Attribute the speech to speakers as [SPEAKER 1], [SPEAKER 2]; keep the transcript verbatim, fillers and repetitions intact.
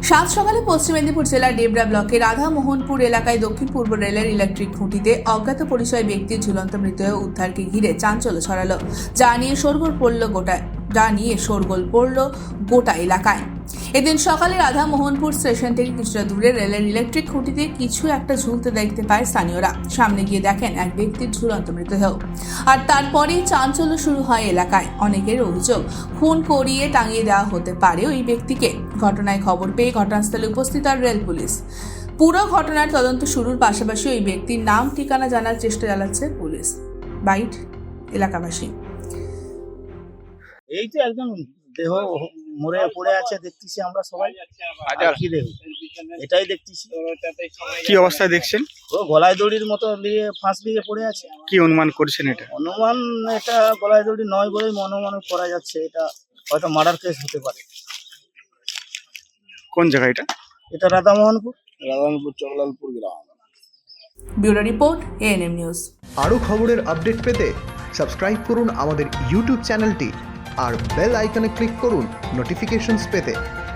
[SPEAKER 1] সাত সকালে পশ্চিম মেদিনীপুর জেলার ডেবরা ব্লকের রাধামোহনপুর এলাকায় দক্ষিণ পূর্ব রেলের ইলেকট্রিক খুঁটিতে অজ্ঞাত পরিচয় ব্যক্তির ঝুলন্ত মৃতদেহ উদ্ধারকে ঘিরে চাঞ্চল্য ছড়ালো, যা নিয়ে শোরগোল পড়ল গোটায় যা নিয়ে শোরগোল পড়ল গোটা এলাকায়। এদিন সকালে রাধামোহনপুর স্টেশন থেকে কিছুটা দূরে রেলের ইলেকট্রিক খুঁটিতে কিছু একটা ঝুলতে দেখতে পায় স্থানীয়রা। সামনে গিয়ে দেখেন এক ব্যক্তির ঝুলন্ত মৃতদেহ, আর তারপরেই চাঞ্চল্য শুরু হয় এলাকায়। অনেকের অভিযোগ খুন করিয়ে টাঙিয়ে দেওয়া হতে পারে ওই ব্যক্তিকে। ঘটনায় খবর পেয়ে ঘটনাস্থলে উপস্থিত আর রেল পুলিশ। পুরো ঘটনার তদন্ত শুরুর পাশাপাশি ওই ব্যক্তির নাম ঠিকানা জানার চেষ্টা চালাচ্ছে পুলিশ। বাইট এলাকাবাসী।
[SPEAKER 2] এই তো একদম দেহ মরে পড়ে আছে দেখতেছি আমরা সবাই। আর কি দেহ এটাই দেখতেছি।
[SPEAKER 3] কি অবস্থায় দেখছেন?
[SPEAKER 2] ও গলায় দড়ির মতো দিয়ে ফাঁস দিয়ে পড়ে আছে।
[SPEAKER 3] কি অনুমান করছেন এটা?
[SPEAKER 2] অনুমান এটা গলায় দড়ি নয় বলেই অনুমান করা যাচ্ছে। এটা হয়তো মার্ডার কেস হতে পারে।
[SPEAKER 3] কোন জায়গা এটা?
[SPEAKER 2] এটা রাধামোহনপুর রাধামোহনপুর চকলালপুর গ্রাম।
[SPEAKER 1] Bureau report ANM news.
[SPEAKER 4] আরও খবরের আপডেট পেতে সাবস্ক্রাইব করুন আমাদের ইউটিউব চ্যানেলটি আর বেল আইকনে ক্লিক করুন নোটিফিকেশনস পেতে।